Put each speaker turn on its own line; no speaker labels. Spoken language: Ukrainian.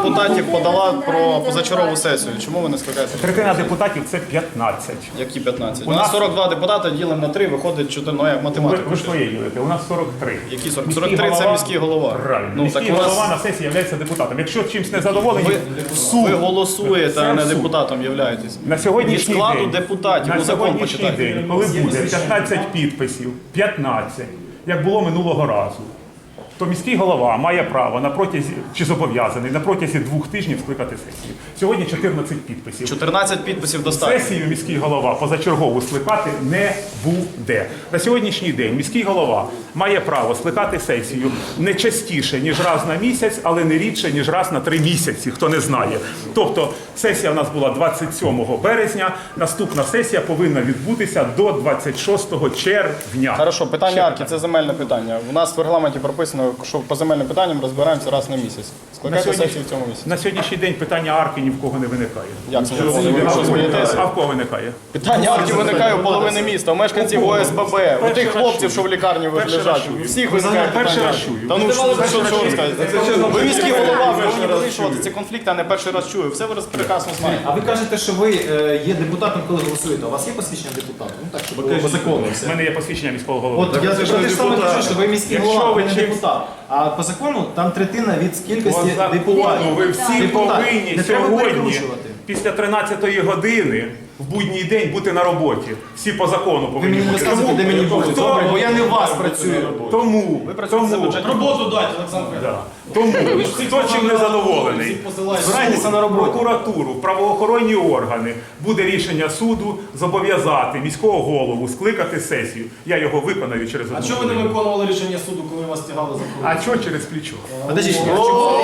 депутатів подала про позачергову сесію. Чому ви не скликаєте?
Третина депутатів – це 15.
Які 15? У нас 42 депутати, ділимо на 3, виходить 4, ну як математика.
Ви ж своє ділите, у нас 43.
Які 40? 43 – це міський голова.
Правильно.
Ну,
міський
так у нас-
голова на сесії є депутатом. Якщо чимось не задоволені,
Ви голосуєте, а не
Це суд.
депутатом являєтесь.
На сьогоднішній
Від складу
день,
депутатів,
на
ну закон
сьогоднішній
почитайте.
день, коли буде 15 підписів, 15, як було минулого разу, то міський голова має право на протязі, чи зобов'язаний на протязі 2 тижнів скликати сесію. Сьогодні 14 підписів.
14 підписів достатньо.
Сесію міський голова позачергову скликати не буде. На сьогоднішній день міський голова має право скликати сесію не частіше, ніж раз на місяць, але не рідше, ніж раз на 3 місяці, хто не знає. Тобто сесія в нас була 27 березня, наступна сесія повинна відбутися до 26 червня.
Хорошо, питання арки – це земельне питання. У нас в регламенті прописано, що по земельним питанням розбираємося раз на місяць. Скликайте сесію в цьому місяці.
На сьогоднішній день питання арки ні в кого не виникає.
Як це не виходить? Ви що, смієтеся?
А в кого виникає?
Питання арки виникає у половини міста, у мешканців ОСББ, у тих хлопців, що в лікарні лежать. У всіх виникає
Перший
питання
раз
арки.
чую.
Та ну що ви розказуєте? Ви міський голова, ви повинні вирішувати ці конфлікти, а не перший раз чую. Все ви прекрасно знаєте.
А ви кажете, що ви є депутатом, коли голосуєте. У вас є посвідчення депутата? Ну так, щоб було по закону
У
все.
мене є посвідчення міського голови.
От я звичайно те ж саме кажу, що ви міський
Якщо
голова,
ви
ви не
чимсь-
депутат. А по закону там третина від кількості
По закону
депутатів.
ви всі
Депутат.
повинні
Не треба
сьогодні
перекручувати.
після 13-ї години в будній день бути на роботі. Всі по закону
Ви
повинні
мені не
бути.
розказуєте, де мені бути.
Хто-
Добре, бо я не у вас працюю.
Тому,
Роботу дайте, Олександр.
тому хто чим не задоволений,
Збирайтеся на роботу.
прокуратуру, правоохоронні органи, буде рішення суду зобов'язати міського голову скликати сесію. Я його виконаю через одну
А чого ви не
годину.
виконували рішення суду, коли вас тягали за кордон?
А чого через плечо?
Подождіть,